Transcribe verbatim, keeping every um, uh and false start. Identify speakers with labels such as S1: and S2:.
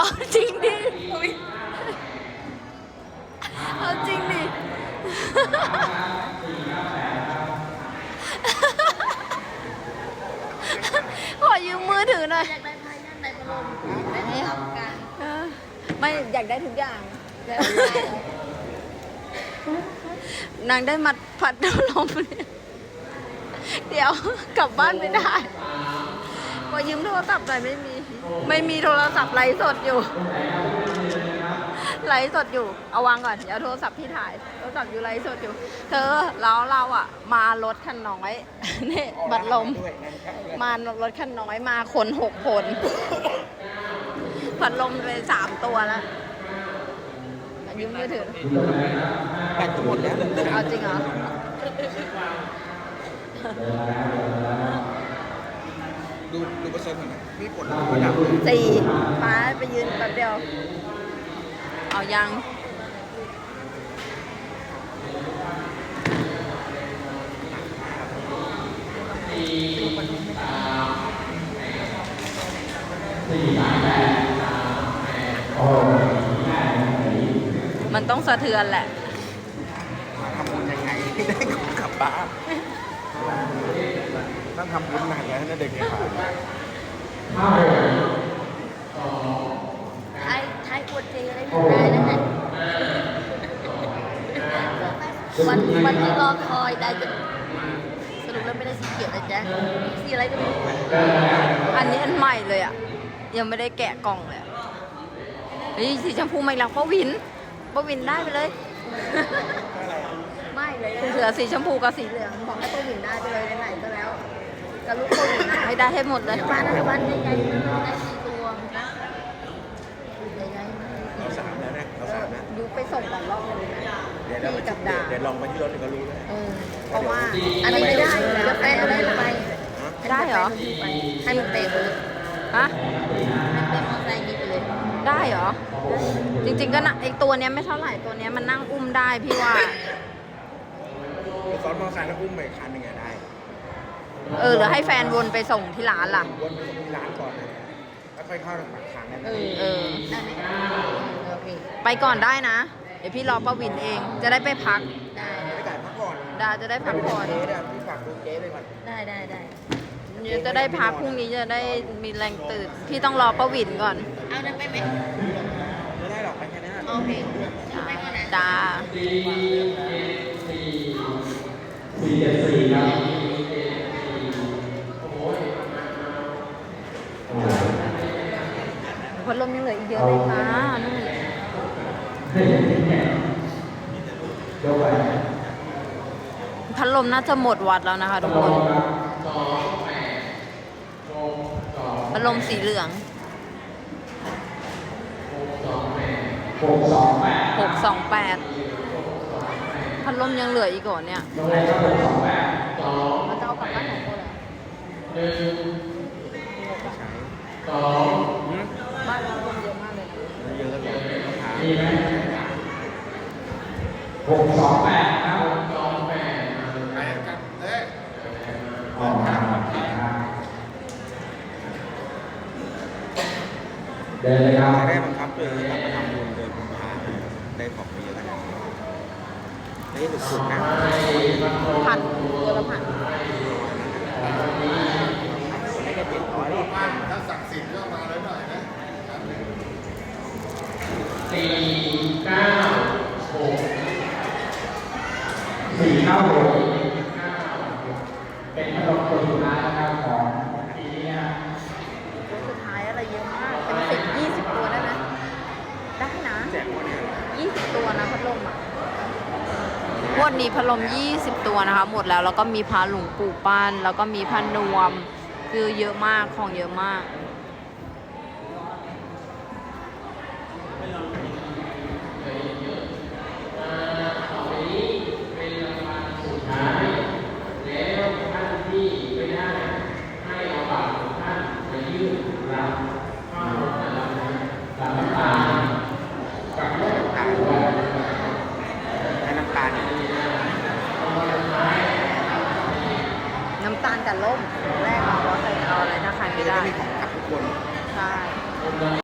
S1: เอาจริงดิเอาจริงดิขอยืมมือถือหน่อย
S2: อยากได้ไพ่นั่นในบอลได้ไหมครับการ
S1: ไม่อยากได้ทุกอย่างนางได้มัดพัดลมเนี่ยเดี๋ยวกลับบ้านไม่ได้พอยืมโทรศัพท์หน่อยไม่มีไม่มีโทรศัพท์ไลฟ์สดอยู่ไลฟ์สดอยู่เอาวางก่อนเดี๋ยวโทรศัพท์พี่ถ่ายโทรศัพท์อยู่ไลฟ์สดอยู่เธอแล้วเราอ่ะมารถคันน้อยนี่บัดลมมารถคันน้อยมาคนหกคนพัดลมไปสามตัวแล้วยืมมือถือ
S3: แบตหมดแล้ว
S1: เอาจริงเหรอ
S3: ดูดูเปอร์เซ็นต์หน่อยพี่กดระดับ
S1: สี่ป้าไปยืนแป๊บเดียวเอายังมันต้องสะเทือนแหละ
S3: ทำบุญยังไงได้กลับบ้านต้องทำบุญหนักแล้วนะเด็กเนี่ย
S2: ไทยไทยกดเจอะไรไม่ได้แล้วนะวันวันที่รอคอยได้จะสรุปแล้วไม่ได้สีเขียวนะจ๊ะสีอะไรก็ไม่รู้
S1: อันนี้อันใหม่เลยอ่ะยังไม่ได้แกะกล่องเลยเฮ้ยสีชมพูไม่รักป้าวินป้าวินได้ไปเลยไม่เลยเหลือสีชมพูกับสีเหลืองบอกให้ป้าวินได้ไปเลยไหนๆก็แล้วกับลูกป้าวินให้ได้ให้หมดเลย
S2: บ้านบ้านใหญ่ๆมันได้สี่ตัวนะใหญ่
S3: ๆเราสามแล้วนะเราสามนะ
S1: ยุไปส่งก่อนรอบนึงนะ
S3: เดี๋ยวเราไปจับดาเดี๋ยวลองไปที่รถก็รู้เลย
S1: เพราะว่า
S2: อันนี้ไม่ได้จะไปอะไรไป
S1: ได้เหรอ
S2: ให้มันเตะเลย
S1: ฮะ
S2: ให้เป็นมอเตอร์ไซค์นี้ไปเลย
S1: ได้เหรอจริงๆก็นะไอตัวเนี้ยไม่เท่าไหร่ตัวเนี้ยมันนั่งอุ้มได้พี่ว่า
S3: ซ้อนมอเตอร์ไซค์แล้วอุ้มไปคันหนึ่งได้
S1: เออหรือให้แฟนวนไปส่งที่ร้านล่ะ
S3: วนไปส่งที่ร้านก่อนนะแล้วค่อยเข้าปากทางได้ไหม
S1: เออ
S2: ได้ไหมโอเค
S1: ไปก่อนได้นะเดี๋ยวพี่รอป้าวินเองจะได้ไปพัก
S2: ได้
S3: ไปจ่ายพักก่อน
S1: ดาจะได้พักผ่อน
S3: เจ๊ได้พี่ฝากดูเจ๊ไปก่อน
S2: ได้ได้ได้
S1: จะได้พักพรุ่งนี้จะได้มีแรงตื่นพี่ต้องรอป้าวินก่อน
S2: เอาเดินไปไหม
S3: ไม่ได้หรอกไปแค่นี้
S2: โอเคไปก่อนนะ
S1: จ้า
S3: สี่เจ็ดสี่ครับ
S1: พัดลมยังเหลืออีกเยอะเลยค่ะนู่นพัดลมน่าจะหมดวัดแล้วนะคะทุกคนพัดลมสีเหลืองหกสองแปดหกสองแปดพัดลมยังเหลืออีกก่อนเนี่ยเราจะเอากลับบ้านของคนเหรอ
S3: สอง
S1: บ้านเราคนเยอะมากเลย
S3: เยอะเลย
S4: มีไหมหกสองแปดครับหกสองแปด
S3: ไปกันเอ้ย
S4: ออกมาเดินเลยครับ
S3: ได้บังคับเลยกลับมาทำบุญเดินบุญพาได้ของไปเยอะขนาดนี้นี่สุดๆนะ
S1: พันตัวละพัน
S3: ไม่ได้ติดร้อยหรอก
S4: ถ้าสั่งสินก็มาเลยหน่อยนะสี่เก้าหกสี่เก้าหกเป็นพัดลมตัวสุดท้ายนะครับของปีนี้
S1: ตัวสุดท้ายอะไรเยอะมากเป็นสิบยี่สิบตัวได้ไหมได้นะยี่สิบตัวนะพัดลมอ่ะงวดนี้พัดลมยี่สิบตัวนะคะหมดแล้วแล้วก็มีพาหลวงปู่ปั้นแล้วก็มีพานวมคือเยอะมากของเยอะมาก